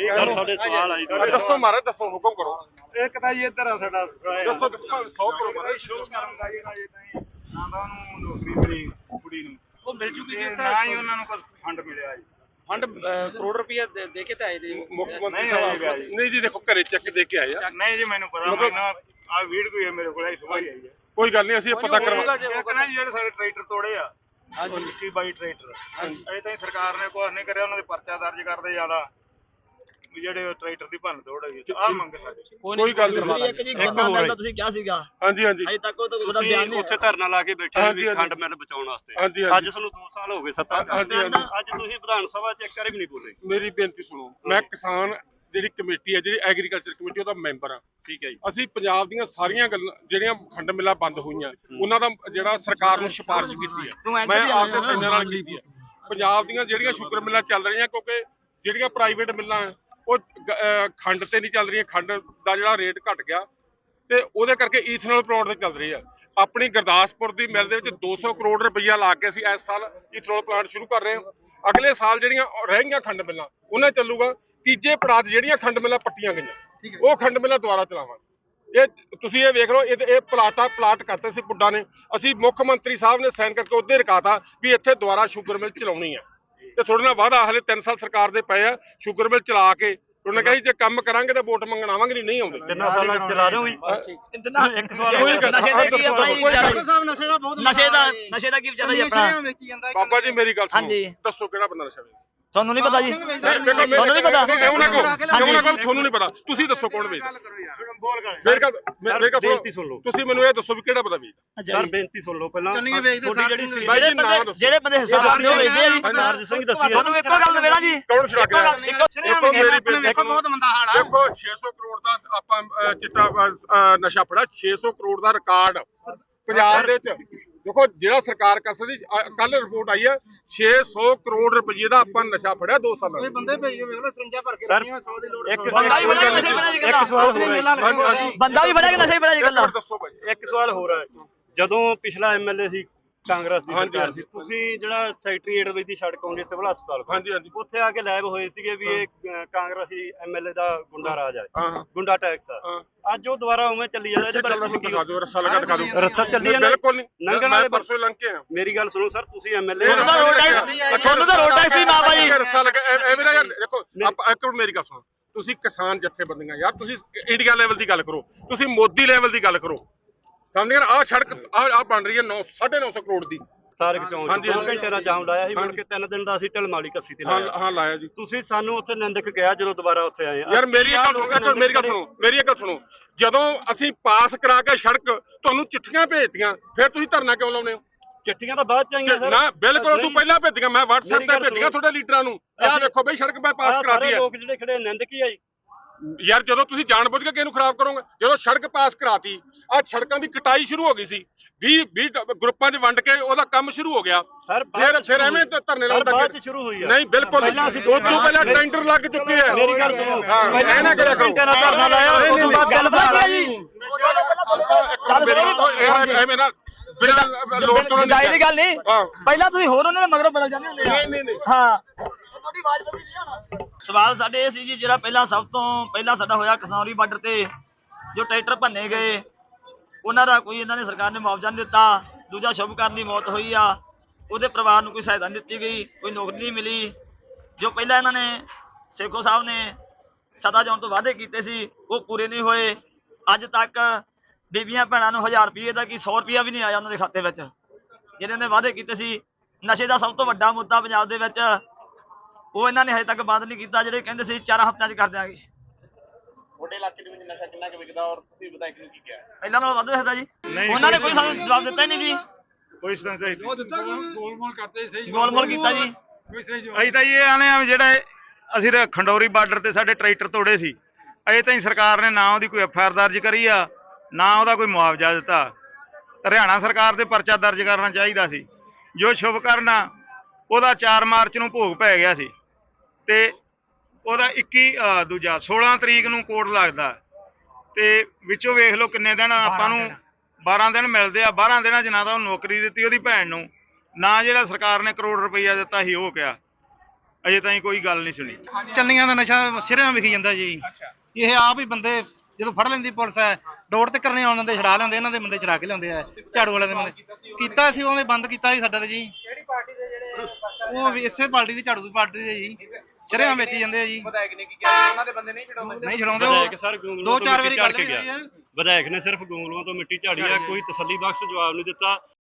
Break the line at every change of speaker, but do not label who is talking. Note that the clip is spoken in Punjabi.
ਸਾਡੇ ਸਵਾਲ ਆਈ
ਦੱਸੋ ਮਹਾਰਾਜ ਦੱਸੋ ਹੁਕਮ ਕਰੋ।
ਇੱਕ ਤਾਂ ਜੀ ਇੱਧਰ ਆ ਸਾਡਾ
ਦੱਸੋ 100 ਕਰੋ
ਸ਼ੁਭ ਕਰਨ ਦਾ ਜਿਹੜਾ ਇਹ ਨਾ ਤਾਂ ਉਹਨੂੰ ਨੌਕਰੀ ਮਿਲੀ ਕੁੜੀ ਨੂੰ
ਉਹ ਮਿਲ ਚੁੱਕੀ
ਤੇ
ਜੀ
ਨਾ ਹੀ ਉਹਨਾਂ ਨੂੰ ਕੁਝ ਫੰਡ ਮਿਲਿਆ ਜੀ।
ਫੰਡ ਕਰੋੜ ਰੁਪਇਆ ਦੇ ਕੇ ਤੇ ਆਏ ਜੀ
ਮੁੱਖ ਮੰਤਰੀ
ਨਹੀਂ
ਸਾਹਿਬ
ਆਏਗਾ ਜੀ।
ਨਹੀਂ ਜੀ ਦੇਖੋ ਘਰੇ ਚੈੱਕ ਦੇ ਕੇ ਆਏ ਆ।
ਨਹੀਂ ਜੀ ਮੈਨੂੰ ਪਤਾ ਮੈਨੂੰ ਆ ਵੀਡੀਓ ਹੈ ਮੇਰੇ ਕੋਲ ਸੁਬਾਹ ਹੀ ਆਈ ਹੈ।
ਕੋਈ ਗੱਲ ਨਹੀਂ ਅਸੀਂ ਪਤਾ ਕਰਵਾ
ਇੱਕ ਨਾ ਜਿਹੜੇ ਸਾਡੇ ਟਰੈਕਟਰ ਤੋੜੇ ਆ ਹਾਂਜੀ 21 22 ਟਰੈਕਟਰ ਅਜੇ ਤਾਈਂ ਸਰਕਾਰ ਨੇ ਕੁਝ ਨਹੀਂ ਕਰਿਆ। ਉਹਨਾਂ ਦੇ ਪਰਚਾ ਦਰਜ ਕਰਦੇ ਜ਼ਿਆਦਾ ਜਿਹੜੇ ਟਰੈਕਟਰ ਦੀ ਭੰਨ ਤੋੜ ਹੋਈ ਆ ਮੰਗ ਸਾਡੇ
ਕੋਈ ਗੱਲ ਨਹੀਂ।
ਇੱਕ ਜੀ ਗੰਨਾ ਮਿਲ ਦਾ ਤੁਸੀਂ ਕਿਹਾ ਸੀਗਾ
ਹਾਂਜੀ ਹਾਂਜੀ
ਅਜੇ ਤੱਕ ਉਹ ਤਾਂ ਉਹਦਾ ਬਿਆਨ ਨਹੀਂ
ਉੱਥੇ ਧਰਨਾ ਲਾ ਕੇ ਬੈਠੇ ਵੀ ਖੰਡ ਮਿਲ ਬਚਾਉਣ ਵਾਸਤੇ। ਅੱਜ ਤੁਹਾਨੂੰ 2 ਸਾਲ ਹੋ ਗਏ ਸੱਤਾ ਅੱਜ ਤੁਸੀਂ ਵਿਧਾਨ ਸਭਾ ਚ ਇੱਕ ਵਾਰੀ ਵੀ ਨਹੀਂ ਬੋਲੇ।
ਮੇਰੀ ਬੇਨਤੀ ਸੁਣੋ। ਮੈਂ ਕਿਸਾਨ ਜਿਹੜੀ ਕਮੇਟੀ ਹੈ ਜਿਹੜੀ ਐਗਰੀਕਲਚਰ ਕਮੇਟੀ ਉਹਦਾ ਮੈਂਬਰ ਆ।
ਠੀਕ ਹੈ ਜੀ।
ਅਸੀਂ ਪੰਜਾਬ ਦੀਆਂ ਸਾਰੀਆਂ ਗੱਲਾਂ ਜਿਹੜੀਆਂ ਖੰਡ ਮਿੱਲਾਂ ਬੰਦ ਹੋਈਆਂ ਉਹਨਾਂ ਦਾ ਜਿਹੜਾ ਸਰਕਾਰ ਨੂੰ ਸਿਫਾਰਿਸ਼ ਕੀਤੀ ਹੈ ਮੈਂ ਆਪਦੇ ਸੈਨਿਆਂ ਨਾਲ ਕੀਤੀ ਹੈ। ਪੰਜਾਬ ਦੀਆਂ ਜਿਹੜੀਆਂ ਸ਼ੂਗਰ ਮਿੱਲਾਂ ਚੱਲ ਰਹੀਆਂ ਕਿਉਂਕਿ ਜਿਹੜੀਆਂ ਪ੍ਰਾਈਵੇਟ ਮਿੱਲਾਂ ਉਹ ਖੰਡ ਤੇ ਨਹੀਂ ਚੱਲ ਰਹੀਆਂ। ਖੰਡ ਦਾ ਜਿਹੜਾ ਰੇਟ ਘਟ ਗਿਆ ਤੇ ਉਹਦੇ ਕਰਕੇ ਈਥਨੋਲ ਪਲਾਂਟ ਤੇ ਚੱਲ ਰਹੀ ਆ। ਆਪਣੀ ਗੁਰਦਾਸਪੁਰ ਦੀ ਮਿਲ ਦੇ ਵਿੱਚ 200 ਕਰੋੜ ਰੁਪਈਆ ਲਾ ਕੇ ਅਸੀਂ ਇਸ ਸਾਲ ਈਥਨੋਲ ਪਲਾਂਟ ਸ਼ੁਰੂ ਕਰ ਰਹੇ ਹਾਂ। ਅਗਲੇ ਸਾਲ ਜਿਹੜੀਆਂ ਰਹਿ ਗਈਆਂ ਖੰਡ ਮਿੱਲਾਂ ਉਹਨਾਂ ਚੱਲੂਗਾ। ਤੀਜੇ ਪੜਾਅ ਜਿਹੜੀਆਂ ਖੰਡ ਮਿੱਲਾਂ ਪੱਟੀਆਂ ਗਈਆਂ ਉਹ ਖੰਡ ਮਿੱਲਾਂ ਦੁਬਾਰਾ ਚਲਾਵਾਂਗੇ। ਇਹ ਤੁਸੀਂ ਇਹ ਵੇਖ ਲਓ ਇਹ ਪਲਾਟ ਕਰਤੇ ਸੀ ਪੁੱਡਾ ਨੇ। ਅਸੀਂ ਮੁੱਖ ਮੰਤਰੀ ਸਾਹਿਬ ਨੇ ਸਾਈਨ ਕਰਕੇ ਉਹਦੇ ਰਕਾਤਾ ਵੀ ਇੱਥੇ ਦੁਬਾਰਾ ਸ਼ੂਗਰ ਮਿਲ ਚਲਾਉਣੀ ਆ ਤੇ ਥੋੜੇ ਨਾਲ ਵਾਅਦਾ ਹਲੇ 3 ਸਾਲ ਸਰਕਾਰ ਦੇ ਪਏ ਆ ਸ਼ੂਗਰ ਮਿਲ ਚਲਾ ਕੇ ਉਹਨੇ ਕਹੀ ਜੇ ਕੰਮ ਕਰਾਂਗੇ ਤਾਂ ਵੋਟ ਮੰਗਣ ਆਵਾਂਗੇ ਨਹੀਂ ਆਉਂਦੇ।
3 ਸਾਲਾਂ ਚਲਾ ਦਿਓ ਜੀ।
ਇੱਕ ਸਵਾਲ ਨਸ਼ੇ ਦਾ ਕੀ ਆਪਣਾ ਨਸ਼ੇ ਦਾ ਕੀ ਵਿਚਾਰਾ ਜੀ ਆਪਣਾ
ਬਾਬਾ ਜੀ ਮੇਰੀ ਗੱਲ ਸੁਣੋ ਦੱਸੋ ਕਿਹੜਾ ਬੰਦਾ ਨਸ਼ਾ ਵੇਚਦਾ?
ਤੁਹਾਨੂੰ ਨਹੀਂ ਪਤਾ ਜੀ
ਤੁਹਾਨੂੰ ਨਹੀਂ ਪਤਾ ਤੁਹਾਨੂੰ ਨਹੀਂ ਪਤਾ ਤੁਸੀਂ ਦੱਸੋ ਕੌਣ ਵੇਚਦਾ?
ਬੇਨਤੀ ਸੁਣ ਲਓ
ਤੁਸੀਂ ਮੈਨੂੰ ਇਹ ਦੱਸੋ ਵੀ ਕਿਹੜਾ ਬੰਦਾ ਵੇਚਦਾ?
ਸਰ ਬੇਨਤੀ ਸੁਣ ਲਓ ਪਹਿਲਾਂ
ਜਿਹੜੇ ਬੰਦੇ ਹਿੱਸਾ ਪਾਉਂਦੇ ਹੋ ਵੇਚਦੇ ਆ ਜੀ।
ਸਰਦਾਰ ਸਿੰਘ ਦੱਸੀ
ਤੁਹਾਨੂੰ ਇੱਕੋ ਗੱਲ ਵੇਣਾ ਜੀ
ਕੌਣ ਛੜਕ ਰਿਹਾ?
ਵੇਖੋ
ਬਹੁਤ ਮੰਦਾ ਹਾਲ ਆ। ਦੇਖੋ 600 ਕਰੋੜ ਦਾ ਆਪਾਂ ਚਿੱਟਾ ਨਸ਼ਾ ਫੜਿਆ। 600 ਕਰੋੜ ਦਾ ਰਿਕਾਰਡ ਪੰਜਾਬ ਦੇ ਵਿੱਚ। ਦੇਖੋ ਜਿਹੜਾ ਸਰਕਾਰ ਕਰ ਸਕਦੀ ਕੱਲ ਰਿਪੋਰਟ ਆਈ ਹੈ 600 ਕਰੋੜ ਰੁਪਏ ਦਾ ਆਪਾਂ ਨਸ਼ਾ ਫੜਿਆ 2 ਸਾਲਾਂ ਵਿੱਚ।
ਬੰਦੇ ਭੇਜੋ ਵੇਖ ਲਓ ਸਰੰਜਾ ਭਰ ਕੇ ਰੱਖੀਆਂ 100 ਦੀ ਲੋੜ।
ਬੰਦਾ ਵੀ ਫੜਿਆ ਨਸ਼ੇ ਬਣਾ ਜੀ ਗੱਲਾਂ। ਬੰਦਾ ਵੀ ਫੜਿਆ ਨਸ਼ੇ ਬਣਾ ਜੀ ਗੱਲਾਂ।
ਦੱਸੋ ਭਾਈ
ਇੱਕ ਸਵਾਲ ਹੋਰ ਹੈ। ਜਦੋਂ ਪਿਛਲਾ ਐਮਐਲਏ ਸੀ ਕਾਂਗਰਸ ਦੀ ਸਰਕਾਰ ਸੀ ਤੁਸੀਂ ਜਿਹੜਾ ਸੈਕਟਰੀਏਟ ਵਿੱਚ ਦੀ ਸੜਕ ਆਉਂਦੀ ਸਿਵਲ ਹਸਪਤਾਲ ਕੋਲ ਉੱਥੇ ਆ ਕੇ ਲੈਬ ਹੋਏ ਸੀਗੇ ਵੀ ਇਹ ਕਾਂਗਰਸੀ ਐਮਐਲਏ ਦਾ ਗੁੰਡਾ ਰਾਜ ਆ ਗੁੰਡਾ ਟੈਕਸ ਆ। ਅੱਜ ਉਹ ਦੁਬਾਰਾ ਉਵੇਂ ਚੱਲੀ ਜਾਂਦਾ।
ਰੱਸਾ ਲਗਾ ਦਿਖਾ ਦਿਓ।
ਰੱਸਾ ਚੱਲੀ ਜਾਂਦਾ
ਬਿਲਕੁਲ ਨਹੀਂ
ਲੰਘਣ ਵਾਲੇ
ਪਰਸੋਂ ਲੰਘ ਕੇ ਆ।
ਮੇਰੀ ਗੱਲ ਸੁਣੋ ਸਰ ਤੁਸੀਂ ਐਮਐਲਏ
ਤੁਹਾਨੂੰ ਤਾਂ ਰੋਡ ਟੈਕਸ ਹੀ ਨਾ ਭਾਈ
ਰੱਸਾ ਲਗਾ ਐਵੇਂ ਨਾ ਯਾਰ। ਦੇਖੋ ਆਪਾਂ ਇੱਕ ਮਿੰਟ ਮੇਰੀ ਗੱਲ ਸੁਣੋ। ਤੁਸੀਂ ਕਿਸਾਨ ਜਥੇਬੰਦੀਆਂ ਯਾਰ ਤੁਸੀਂ ਇੰਡੀਆ ਲੈਵਲ ਦੀ ਗੱਲ ਕਰੋ। ਤੁਸੀਂ ਮੋਦੀ ਲੈਵਲ ਦੀ ਗੱਲ ਕਰੋ। ਸਮਝ ਗਏ? ਆਹ ਸੜਕ ਆਹ ਬਣ ਰਹੀ ਹੈ 950 ਕਰੋੜ ਦੀ
ਸਾਰਕ ਚੌਂਕ 2 ਘੰਟੇ ਦਾ ਜਾਮ ਲਾਇਆ ਸੀ। ਮੁੜ ਕੇ 3 ਦਿਨ ਦਾ ਅਸੀਂ ਢਲਮਾਲੀ ਕੱਸੀ ਤੇ ਲਾਇਆ।
ਹਾਂ ਲਾਇਆ ਜੀ।
ਤੁਸੀਂ ਸਾਨੂੰ ਉੱਥੇ ਨਿੰਦਕ ਕਿਹਾ ਜਦੋਂ ਦੁਬਾਰਾ ਉੱਥੇ ਆਏ।
ਯਾਰ ਮੇਰੀ ਗੱਲ ਸੁਣੋ ਜਦੋਂ ਅਸੀਂ ਪਾਸ ਕਰਾ ਕੇ ਸੜਕ ਤੁਹਾਨੂੰ ਚਿੱਠੀਆਂ ਭੇਜਤੀਆਂ ਫਿਰ ਤੁਸੀਂ ਧਰਨਾ ਕਿਉਂ ਲਾਉਨੇ ਹੋ?
ਚਿੱਠੀਆਂ ਤਾਂ ਬਾਅਦ ਚ ਆਈਆਂ ਸਰ।
ਨਾ ਬਿਲਕੁਲ ਤੂੰ ਪਹਿਲਾਂ ਭੇਜੀਆਂ। ਮੈਂ WhatsApp ਤੇ ਭੇਜੀਆਂ ਤੁਹਾਡੇ ਲੀਡਰਾਂ ਨੂੰ। ਆਹ ਦੇਖੋ ਬਈ ਸੜਕ ਮੈਂ ਪਾਸ ਕਰਾਤੀ ਹੈ।
ਲੋਕ ਜਿਹੜੇ ਖੜੇ ਨਿੰਦਕ ਹੀ ਆਈ
ਯਾਰ ਜਦੋਂ ਤੁਸੀਂ ਜਾਣਬੁੱਝ ਕੇ ਕਿਹਨੂੰ ਖਰਾਬ ਕਰੋਗੇ? ਜਦੋਂ ਸੜਕ ਪਾਸ ਕਰਾਤੀ ਆ ਸੜਕਾਂ ਦੀ ਕਟਾਈ ਸ਼ੁਰੂ ਹੋ ਗਈ ਸੀ 20 ਗਰੁੱਪਾਂ 'ਚ ਵੰਡ ਕੇ ਉਹਦਾ ਕੰਮ ਸ਼ੁਰੂ ਹੋ ਗਿਆ। ਫਿਰ ਐਵੇਂ ਧਰਨੇ ਲਾਉਂਦਾ
ਬਾਅਦ ਚ ਸ਼ੁਰੂ ਹੋਈ ਆ।
ਨਹੀਂ ਬਿਲਕੁਲ ਪਹਿਲਾਂ ਅਸੀਂ ਤੋਂ ਪਹਿਲਾਂ ਟੈਂਡਰ ਲੱਗ ਚੁੱਕੇ ਆ।
ਮੇਰੀ ਗੱਲ ਸੁਣੋ
ਪਹਿਲਾਂ ਨਾ ਕਰਿਆ ਕਰੋ।
ਧਰਨਾ ਲਾਇਆ ਉਸ ਤੋਂ ਬਾਅਦ ਗੱਲ ਬਣਾ ਜੀ।
ਐਵੇਂ ਨਾ ਬਿਨਾਂ ਲੋੜ ਤੋਂ
ਦੀ ਗੱਲ ਨਹੀਂ। ਪਹਿਲਾਂ ਤੁਸੀਂ ਹੋਰ ਉਹਨਾਂ ਦੇ ਮਗਰੋਂ ਬਦਲ ਜਾਂਦੇ ਹੁੰਦੇ ਆ।
ਨਹੀਂ
ਹਾਂ ਤੁਹਾਡੀ ਆਵਾਜ਼ ਬਦਲੀ ਨਹੀਂ ਹੋਣਾ। ਸਵਾਲ ਸਾਡੇ ਇਹ ਸੀ ਜੀ ਜਿਹੜਾ ਪਹਿਲਾਂ ਸਭ ਤੋਂ ਪਹਿਲਾਂ ਸਾਡਾ ਹੋਇਆ ਖਨੌਰੀ ਬਾਰਡਰ ਤੇ ਜੋ ਟਰੈਕਟਰ ਭੰਨੇ ਗਏ ਉਹਨਾਂ ਦਾ ਕੋਈ ਇਹਨਾਂ ਨੇ ਸਰਕਾਰ ਨੇ ਮੁਆਵਜ਼ਾ ਨਹੀਂ ਦਿੱਤਾ। ਦੂਜਾ ਸ਼ੁਭਕਰਨ ਦੀ ਮੌਤ ਹੋਈ ਆ ਉਹਦੇ ਪਰਿਵਾਰ ਨੂੰ ਕੋਈ ਸਹਾਇਤਾ ਨਹੀਂ ਦਿੱਤੀ ਗਈ। ਕੋਈ ਨੌਕਰੀ ਨਹੀਂ ਮਿਲੀ। ਜੋ ਪਹਿਲਾਂ ਇਹਨਾਂ ਨੇ ਸੇਖੋ ਸਾਹਿਬ ਨੇ ਸੱਤਾ ਜਾਣ ਤੋਂ ਵਾਅਦੇ ਕੀਤੇ ਸੀ ਉਹ ਪੂਰੇ ਨਹੀਂ ਹੋਏ। ਅੱਜ ਤੱਕ ਬੀਬੀਆਂ ਭੈਣਾਂ ਨੂੰ 1000 ਰੁਪਏ ਦਾ ਕੀ 100 ਰੁਪਇਆ ਵੀ ਨਹੀਂ ਆਇਆ ਉਹਨਾਂ ਦੇ ਖਾਤੇ ਵਿੱਚ ਜਿਹੜੇ ਨੇ ਵਾਅਦੇ ਕੀਤੇ ਸੀ। ਨਸ਼ੇ ਦਾ ਸਭ ਤੋਂ ਵੱਡਾ ਮੁੱਦਾ ਪੰਜਾਬ ਦੇ ਵਿੱਚ ਉਹ ਇਹਨਾਂ ਨੇ ਹਜੇ ਤੱਕ ਬੰਦ ਨਹੀਂ ਕੀਤਾ। ਜਿਹੜੇ ਕਹਿੰਦੇ ਸੀ 4 ਹਫ਼ਤਿਆਂ 'ਚ ਕਰ ਦਿਆਂਗੇ।
ਤੁਹਾਡੇ ਇਲਾਕੇ ਦੇ ਵਿੱਚ ਨਸ਼ਾ ਕਿੰਨਾ ਕੁ ਵਿਕਦਾ ਔਰ ਤੁਸੀਂ ਵਿਧਾਇਕ ਨੂੰ ਕੀ ਕਿਹਾ?
ਪਹਿਲਾਂ ਨਾਲੋਂ ਵੱਧ ਵਿਕਦਾ ਜੀ। ਉਹਨਾਂ ਨੇ ਕੋਈ ਸਾਨੂੰ ਜਵਾਬ ਦਿੱਤਾ ਹੀ ਨਹੀਂ ਜੀ।
ਕੋਈ
ਗੋਲਮੋਲ ਕੀਤਾ ਜੀ।
ਅਸੀਂ ਤਾਂ ਇਹ ਆਨੇ ਆ ਜਿਹੜਾ ਅਸੀਂ ਖੰਡੌਰੀ ਬਾਰਡਰ ਤੇ ਸਾਡੇ ਟਰੈਕਟਰ ਤੋੜੇ ਸੀ ਅਜੇ ਤਾਈਂ ਸਰਕਾਰ ਨੇ ਨਾ ਉਹਦੀ ਕੋਈ ਐਫਆਈਆਰ ਦਰਜ ਕਰੀ ਆ ਨਾ ਉਹਦਾ ਕੋਈ ਮੁਆਵਜ਼ਾ ਦਿੱਤਾ। ਹਰਿਆਣਾ ਸਰਕਾਰ ਦੇ ਪਰਚਾ ਦਰਜ ਕਰਨਾ ਚਾਹੀਦਾ ਸੀ। ਜੋ ਸ਼ੁਭਕਰਨ ਆ ਉਹਦਾ 4 ਮਾਰਚ ਨੂੰ ਭੋਗ ਪੈ ਗਿਆ ਸੀ ਤੇ ਉਹਦਾ 16 ਤਰੀਕ ਨੂੰ ਕੋਰਟ ਲੱਗਦਾ ਤੇ ਵਿੱਚੋਂ ਵੇਖ ਲਓ ਕਿੰਨੇ ਦਿਨ ਆਪਾਂ ਨੂੰ 12 ਦਿਨ ਮਿਲਦੇ ਆ। 12 ਦਿਨਾਂ 'ਚ ਨਾ ਤਾਂ ਉਹ ਨੌਕਰੀ ਦਿੱਤੀ ਉਹਦੀ ਭੈਣ ਨੂੰ ਨਾ ਜਿਹੜਾ ਸਰਕਾਰ ਨੇ ਕਰੋੜ ਰੁਪਈਆ ਦਿੱਤਾ ਸੀ ਉਹ ਕਿਹਾ। ਅਜੇ ਤਾਈਂ ਕੋਈ ਗੱਲ ਨਹੀਂ ਸੁਣੀ।
ਚੰਨੀਆਂ ਦਾ ਨਸ਼ਾ ਸਿਰਿਆਂ ਵਿਖੀ ਜਾਂਦਾ ਜੀ। ਇਹ ਆਪ ਹੀ ਬੰਦੇ ਜਦੋਂ ਫੜ ਲੈਂਦੀ ਪੁਲਿਸ ਹੈ ਡੋਰ ਤੇ ਕਰਨੇ ਆਉਣ ਦਿੰਦੇ, ਛਡਾ ਲੈਂਦੇ, ਇਹਨਾਂ ਦੇ ਬੰਦੇ ਛਡਾ ਕੇ ਲਿਆਉਂਦੇ ਆ, ਝਾੜੂ ਵਾਲਿਆਂ ਦੇ ਬੰਦੇ। ਕੀਤਾ ਸੀ ਉਹਨੇ ਬੰਦ ਕੀਤਾ ਸੀ ਸਾਡਾ ਤੇ ਜੀ।
ਕਿਹੜੀ ਪਾਰਟੀ ਦੇ ਜਿਹੜੇ
ਉਹ ਵੀ ਇਸੇ ਪਾਰਟੀ ਦੀ, ਝਾੜੂ ਦੀ ਪਾਰਟੀ ਦੇ ਜੀ। ਸਿਰਿਆਂ ਵੇਚੀ ਜਾਂਦੇ ਆ ਜੀ।
ਵਿਧਾਇਕ ਨੇ ਕੀ ਕਿਹਾ ਉਹਨਾਂ ਦੇ ਬੰਦੇ ਨਹੀਂ ਛਡਾਉਂਦੇ?
ਨਹੀਂ ਛਡਾਉਂਦੇ
ਵਿਧਾਇਕ
ਉਹ।
ਸਰ ਗੋਂਗਲੂਆਂ
ਦੋ
ਤੋਂ
ਚਾਰ
ਮਿੱਟੀ
ਵਾਰੀ
ਝਾੜ
ਗੱਲ
ਕੇ
ਵੀ
ਗਿਆ।
ਹੋਈ ਆ।
ਵਿਧਾਇਕ ਨੇ ਸਿਰਫ ਗੋਂਗਲੂਆਂ ਤੋਂ ਮਿੱਟੀ ਝਾੜੀ ਆ, ਕੋਈ ਤਸੱਲੀ ਬਖਸ਼ ਜਵਾਬ ਨਹੀਂ ਦਿੱਤਾ।